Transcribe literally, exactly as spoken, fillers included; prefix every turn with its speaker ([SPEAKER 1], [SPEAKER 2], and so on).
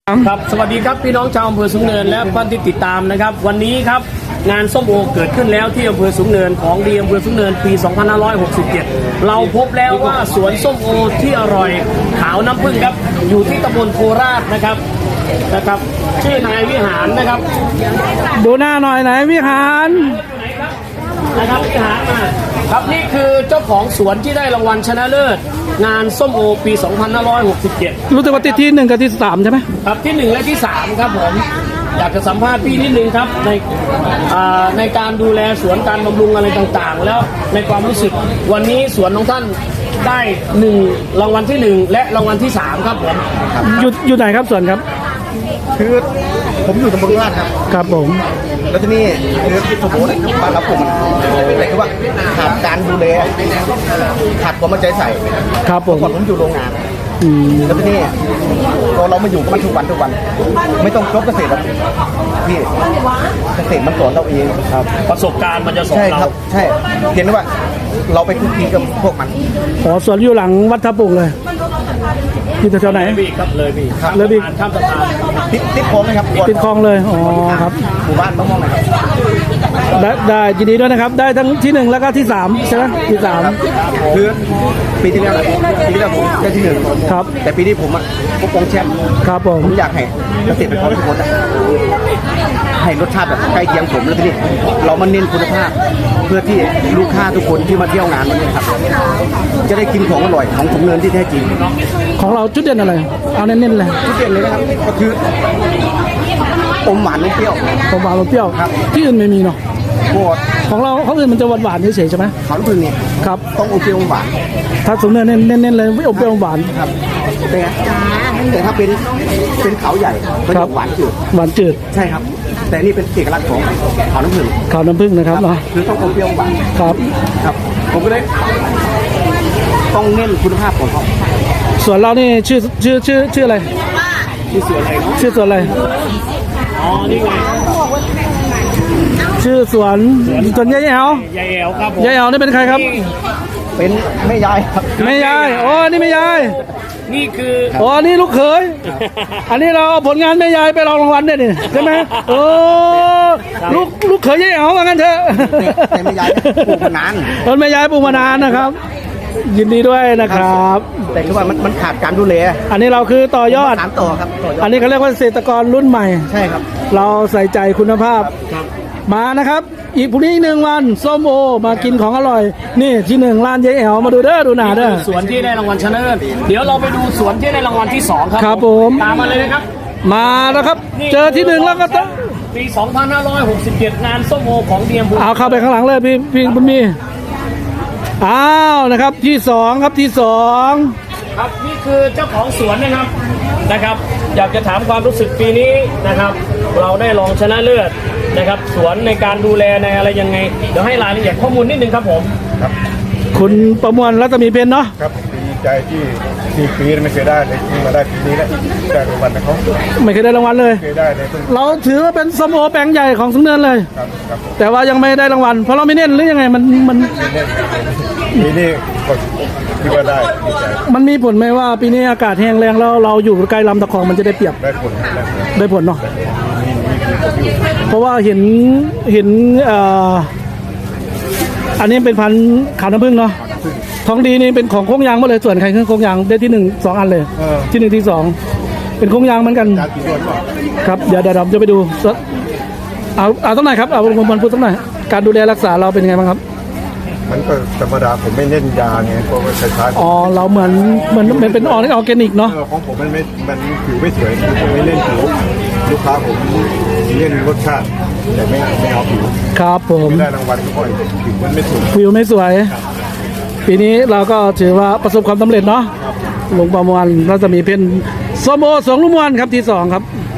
[SPEAKER 1] ครับสวัสดีครับพี่น้องชาวอำเภอสูงเนินและท่านที่ติดตามนะครับวันนี้ครับงานส้มโอเกิดขึ้นแล้วที่อำเภอสูงเนินของดีอำเภอสูงเนินปี สองพันห้าร้อยหกสิบเจ็ด เราพบแล้วว่าสวนส้มโอที่อร่อยขาวน้ำผึ้งครับอยู่ที่ตำบลโคราชนะครับนะครับชื่อนายวิหารนะครับ
[SPEAKER 2] ดูหน้าหน่อยไหนวิหาร
[SPEAKER 1] นะครับวิหารมาครับนี่คือเจ้าของสวนที่ได้รางวัลชนะเลิศงานส้มโอปี สองพันห้าร้อยหกสิบเจ็ด
[SPEAKER 2] รู้สึกว่าติดที่หนึ่งกับที่สามใช่ไหม
[SPEAKER 1] ครับที่หนึ่งและที่สามครับผมอยากจะสัมภาษณ์พี่นิดนึงครับในในการดูแลสวนการบำรุงอะไรต่างๆแล้วในความรู้สึกวันนี้สวนของท่านได้หนึ่งรางวัลที่หนึ่งและรางวัลที่สามครับผม
[SPEAKER 2] อยู่อยู่ไหนครับสวนครับ
[SPEAKER 3] คือผมอยู่ตำบลราชครับ
[SPEAKER 2] ครับผม
[SPEAKER 3] แล้วที่นี่คือที่สมบูรณ์บ้านรับผมแต่คือว่าขาดการดูแลขาดความมั่นใจใส่
[SPEAKER 2] ครับผม
[SPEAKER 3] ก่อนผมอยู่โรงงานแล้วที่นี่พอเรามาอยู่กับมันทุกวันทุกวันไม่ต้องจบเกษตรครับพี่เกษตรมันสอนเราเอง
[SPEAKER 1] ครับประสบการณ์มันจะสอนเรา
[SPEAKER 3] ใช่ครับใช่เห็นว่าเราไปคุกคีกับพวกมัน
[SPEAKER 2] ขอสวนอยู่หลังวัดทับปุกเลยที่แถวไหน
[SPEAKER 1] พี่ครับเลยพี่
[SPEAKER 2] เลยพี่
[SPEAKER 1] ข้ามสะพาน
[SPEAKER 3] ติดติดคลองนะครับ
[SPEAKER 2] ติดคลองเลยอ๋อครับ
[SPEAKER 3] หมู่บ้านมะม่วงนะครับ
[SPEAKER 2] ได้ได้ยินดีด้วยนะครับได้ทั้งที่หนึ่งแล้วก็ที่สามใช่ไหมที่สาม
[SPEAKER 3] คือปีที่แล้วปีที่แล้วผมได้ที่หนึ่ง
[SPEAKER 2] ครับ
[SPEAKER 3] แต่ปีนี้ผมอ่ะพวกกองแชมป์
[SPEAKER 2] ครับผม
[SPEAKER 3] ผมอยากให้เกษตรกรทุกคนให้รสชาติแบบใกล้เคียงผมแล้วทีนี้เรามาเน้นคุณภาพเพื่อที่ลูกค้าทุกคนที่มาเที่ยวงานวันนี้ครับจะได้กินของอร่อยของสูงเนินที่แท้จริง
[SPEAKER 2] ของเราจุดเด่นอะไรเอาเน้นๆเลย
[SPEAKER 3] จุดเด่นเลยนะครับก็คืออมหวานอมเปรี้ยว
[SPEAKER 2] อมหวานอมเปรี้ยวครับที่อื่นไม่มีเนาะของเราของอื่นมันจะหวานหวานเฉยๆใช่ไหม
[SPEAKER 3] ขาวน้ำผึ้งนี่
[SPEAKER 2] ครับ
[SPEAKER 3] ต้องอมเปรี้ยวอมหวาน
[SPEAKER 2] ถ้าสูงเนินเน้นๆเลยไม่อมเปรี้ยวอมหวาน
[SPEAKER 3] ครับเป็นไงแต่ถ้าเป็นเป็นเขาใหญ่ก็จะหวานจืด
[SPEAKER 2] หวานจืด
[SPEAKER 3] ใช่ครับแต่นี่เป็นเอกลักษณ์ของขาวน้ำผึ้ง
[SPEAKER 2] ขาวน้ำผึ้งนะครับเนาะ
[SPEAKER 3] คือต้องอมเปรี้ยวอมหวาน
[SPEAKER 2] ครับ
[SPEAKER 3] ครับผมก็เลยต้องเน้นคุณภาพของเขา
[SPEAKER 2] ส่วนเรานี่ชื่อชื่อชื่อชื่ออะไร
[SPEAKER 1] ชื่อสวนอะไร
[SPEAKER 2] ชื่อสวนอะไร
[SPEAKER 1] อ๋อนี่ไง
[SPEAKER 2] ชื่อสวนสวนยายแอวย
[SPEAKER 1] ายแอวครับผม
[SPEAKER 2] ยายแอวนี่เป็นใครครับ
[SPEAKER 3] เป็นแม่ยายครับ
[SPEAKER 2] แม่ยายโอ้นี่แม่ยาย
[SPEAKER 1] นี่คือ
[SPEAKER 2] โอ้นี่ลูกเขยอันนี้เราผลงานแม่ยายไปรองรางวัลได้นี่ใช่ไหมโอ้ลูกลูกเขยยายแอวว่างั้นเถอะ
[SPEAKER 3] แต่แม่ยายปลูกมานาน
[SPEAKER 2] ต้นแม่ยายปลูกมานานนะครับยินดีด้วยนะครับ
[SPEAKER 3] แต่คือว่ามันมันขาดการดูแล
[SPEAKER 2] อันนี้เราคือต่อยอด
[SPEAKER 3] สานต่อครับ
[SPEAKER 2] อันนี้เขาเรียกว่าเกษตรกรรุ่นใหม่
[SPEAKER 3] ใช่ครับ
[SPEAKER 2] เราใส่ใจคุณภาพมานะครับอีกพรุ่งนี้หนึ่งวันส้มโอมากินของอร่อยนี่ที่หนึ่งร้านยายแอวมาดูเด้อดูหนาเด้อ
[SPEAKER 1] สวนที่ได้รางวัลชนะเลิศเดี๋ยวเราไปดูสวนที่ได้รางวัลที่สองครับ
[SPEAKER 2] ครับผม
[SPEAKER 1] ตามมาเลยนะครับ
[SPEAKER 2] มาแล้วครับเจอที่หนึ่งแล้วก็ต้อง
[SPEAKER 1] ปี สองพันห้าร้อยหกสิบเจ็ด งานส้มโอของเดียมบุญ
[SPEAKER 2] เอาเข้าไปข้างหลังเลยพี่พี่บุญมีอ้าวนะครับที่สองครับที่สอง
[SPEAKER 1] ครับนี่คือเจ้าของสวนนะครับนะครับอยากจะถามความรู้สึกปีนี้นะครับเราได้รองชนะเลิศนะครับสวนในการดูแลในอะไรยังไงเดี๋ยวให้รายละเอียดข้อมูลนิดนึงครับผม
[SPEAKER 3] ครับ
[SPEAKER 2] คุณประมวลรัตมีเพนเนาะ
[SPEAKER 3] ครับดีใจที่สี่ปีไม่เคยได้เลยมาได้ปีนี้แล้วได้รางวัลนะเขา
[SPEAKER 2] ไม่เคยได้รางวัลเลย
[SPEAKER 3] เคยได้เลย
[SPEAKER 2] เราถือว่าเป็นส้มโอแปลงใหญ่ของสูงเนินเลย
[SPEAKER 3] ครับ
[SPEAKER 2] แต่ว่ายังไม่ได้รางวัลเพราะเราไม่เน้นหรือยังไงมันมัน
[SPEAKER 3] ปีนี้ก็คิดว่าได้
[SPEAKER 2] มันมีผลไหมว่าปีนี้อากาศแห้งแรงแล้วเราอยู่ใกล้ลำตะคองมันจะได้เปรียบ
[SPEAKER 3] ได้ผล
[SPEAKER 2] ได้ผลเนาะเพราะว่าเห็นเห็นเอ่ออันนี้เป็นพันธุ์ขาวน้ำผึ้งเนาะทองดีนี่เป็นของโค้งยางหมดเลยส่วนใครขึ้นโค้งยางได้ที่หนึ่งสองอันเลยที่หนึ่งที่สองเป็นโค้งยางเหมือนกันครับเดี๋ยวเดี๋ยวเราจะไปดูเอาเอาสักหน่อยครับเอาผมพูดสักหน่อยการดูแลรักษาเราเป็นยังไงบ้างครับ
[SPEAKER 3] มันก็ธรรมดาผมไม่เล่นยาไงเพราะว่าใช้
[SPEAKER 2] อ๋อเราเหมือนเหมือนมันเป็นออร์แกนิกเนาะ
[SPEAKER 3] ของผมมันไม่มันผิวไม่สวยผมไม่เล่นผิวลูกค้าผมเล่นรสชาติแต่ไม่ไม่เอาผิว
[SPEAKER 2] ครับผม
[SPEAKER 3] ได้รางวัลก็ค่อยผิวมันไม่สวย
[SPEAKER 2] ผิวไม่สวยปีนี้เราก็ถือว่าประสบความสำเร็จเนาะลงประมวลเราจะมีเพนโซโมสองลูกมวลครับที่สองครับ